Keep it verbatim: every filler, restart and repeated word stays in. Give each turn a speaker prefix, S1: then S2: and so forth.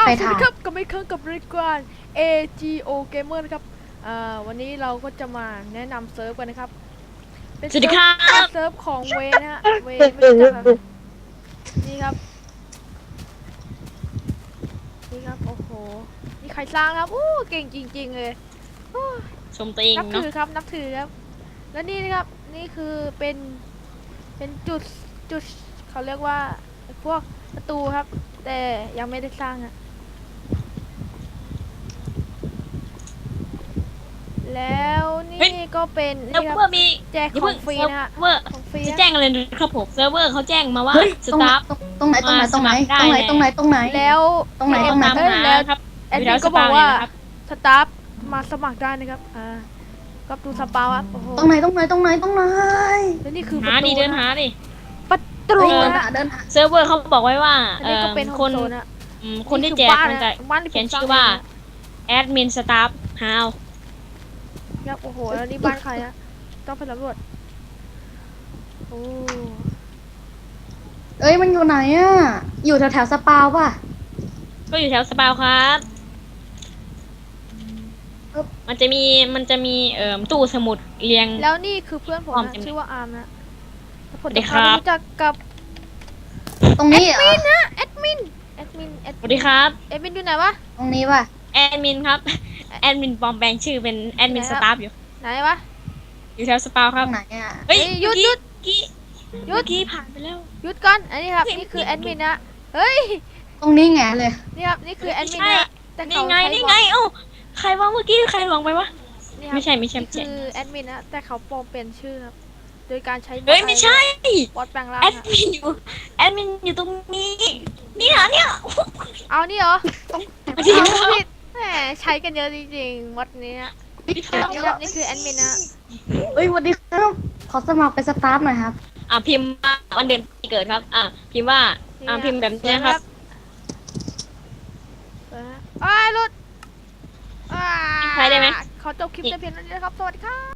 S1: ไป
S2: สวัส
S1: ถ่า
S2: ดี
S1: ย
S2: ครับกับไม่เครื่องกับรายการ เอ จี โอ Gamer นะครับอ่าวันนี้เราก็จะมาแนะนำเซิร์ฟกันนะครับเป็น
S3: สวัสดีครับ
S2: เซิร์ฟเซิร์ฟของเวนะฮะเวไม่รู้จักเหรอนี่ครับนี่ครับโอ้โหนี่ใครสร้างครับอู้เก่งจริง ๆเลยโอ้
S3: ชมตัวเอง
S2: นับ
S3: เนาะ
S2: ถือครับนับถือครับแล้วนี่นะครับนี่คือเป็นเป็นจุดจุดเขาเรียกว่าพวกประตูครับ แต่ยังไม่ได้สร้างอะแล้วนี่ก็เป็น
S3: เซิร์
S2: นี่
S3: ฟ
S2: ครับ
S3: เวอร์มี
S2: แจก
S3: อย่า
S2: ขอ
S3: เพิ่
S2: ง
S3: ง
S2: ฟรี
S3: เซิร์ฟ
S2: นะฮะ
S3: เวอร์
S2: ของฟรี
S3: จะ
S2: นะ
S3: แจ้งอะไรนะครับผมเซิร์ฟเวอร์เขาแจ้งมาว่า
S1: เฮ้ย
S3: ส
S1: ตรงไหน
S3: ตาฟ
S1: ตรงไหนตรงไหนตรงไหนตรงไหนตรงไหนตรงไหน
S2: แล้ว
S1: ตรงไหน
S2: เอ็
S1: ตร
S2: ม
S1: งไหน
S3: ตาม
S2: เอ้ย
S3: หา
S2: แล้ว
S3: ครับ
S2: แอด
S3: อยู่
S2: มิ
S3: แถ
S2: น
S3: ว
S2: ก็
S3: ส
S2: บอ
S3: ปาก
S2: ว่า
S3: เนี่ยนะครับ
S2: สตาฟมาสมัครได้นะครับอ่าก็ดูสปาครับโอ้โห
S1: ตรงไหนตรงไหนตรงไหนตรงไหน
S2: แล้วนี่คือป
S3: หา
S2: ระตู
S3: ดิเดิน
S2: นะ
S3: หาดิ
S2: ประตู
S1: เดิน
S2: นะ
S1: หาเดินหา
S3: เซิร์ฟเวอร์เขาบอกไว้ว่า
S2: อัน
S3: เอ่
S2: นี้ก็
S3: อ
S2: เป็นโฮ
S3: ค
S2: ม
S3: น
S2: โซนอะ
S3: อืมคนที่แจกมันจะ
S2: บ้านที่
S3: เขียน
S2: ผมสร้าง
S3: ชื่อว่า
S2: เงะ
S3: แอดมินสตาฟฮาว
S2: ครับโอ้โหแล้วนี่บ้านใครอะต้องไปสำรวจโอ้
S1: เอ้ยมันอยู่ไหนอ่ะอยู่แถวแถวสปาวป่ะ
S3: ก็อยู่แถวสปาวครับมันจะมีมันจะมีเอ่อตู้สมุดเรียง
S2: แล้วนี่คือเพื่อนผม
S3: พร้อม
S2: นะ
S3: ใช่ไหม
S2: ชื่อว่าอาร์มนะแล้วผม
S3: สวัสดี
S2: จะ
S3: ครั
S2: พาไป
S3: บ
S2: รู้จักกับ
S1: ตรงนี้เหรอ
S2: นะแอดมินแอดมินแอด
S3: สวัสดีครับ
S2: แอดมินอยู่ไหนวะ
S1: ตรงนี้ป่ะ
S3: แอดมินครับแอดมินปลอมแปลงชื่อเป็นแอดมิน
S2: ไหน
S3: ส
S2: ครับ
S3: ตาฟอยู่
S2: ไหนวะ
S3: อยู่แถวสปาวค
S1: ต
S3: รั
S1: ร
S3: บ
S1: งไหนอ่ะ
S3: เฮ้ย
S2: เฮ้ยหยุด
S3: เมื่อ
S2: หยุด
S3: กี้
S2: หยุด
S3: เมื่อกี้ผ่านไปแล้ว
S2: หยุดก่อนอันนี้ครับ
S3: เฮ้ย
S2: นี่คือ
S3: นี่
S2: แอดมินนะเฮ้ย
S1: ตรงนี้ไงเลย
S2: นี่ครับนี่คือแอดมิน
S3: ไม่ใช่
S2: นะแต่
S3: นี่
S2: เขา
S3: ไง
S2: ใช้
S3: นี่
S2: บอ
S3: ไง
S2: ท
S3: เอ้าใครว่าเมื่อกี้ใครลงไปวะ
S2: นี่ครับ
S3: ไม่ใช่ไม่ใช่
S2: นี่
S3: ไม่ใช่
S2: คือแอดมินนะแต่เขาปลอมเป็นชื่อครับโดยการใช้บอท
S3: เฮ้ยไม่ใช่
S2: บอทแปลงร่าง
S3: แอด
S2: ครับ
S3: มินอยู่แอดมินอยู่ตรงนี้เนี่ยเนี่ย
S2: เอานี่เหรอ
S1: ตรง
S3: ไม่ใช่
S2: เอาผิดแหมใช้กันเยอะจริงๆวัดนี้นะนี่ครับนี่คือแอดมินนะ
S1: เอ้ยสวัสดีครับขอสมัครเป็นสตาฟหน่อยครับ
S3: อ่ะพิมพ์ว่าวันเดือนปีเกิดครับอ่ะพิมพ์ว่าอ่ะพิมพ์แบบนี้นะครับ
S2: อ้ายหลุดอ้า
S3: ใช้ได้ไหม
S2: ขอจบคลิปแต่เพียงเท่านี้นะครับ สวัสดีครับ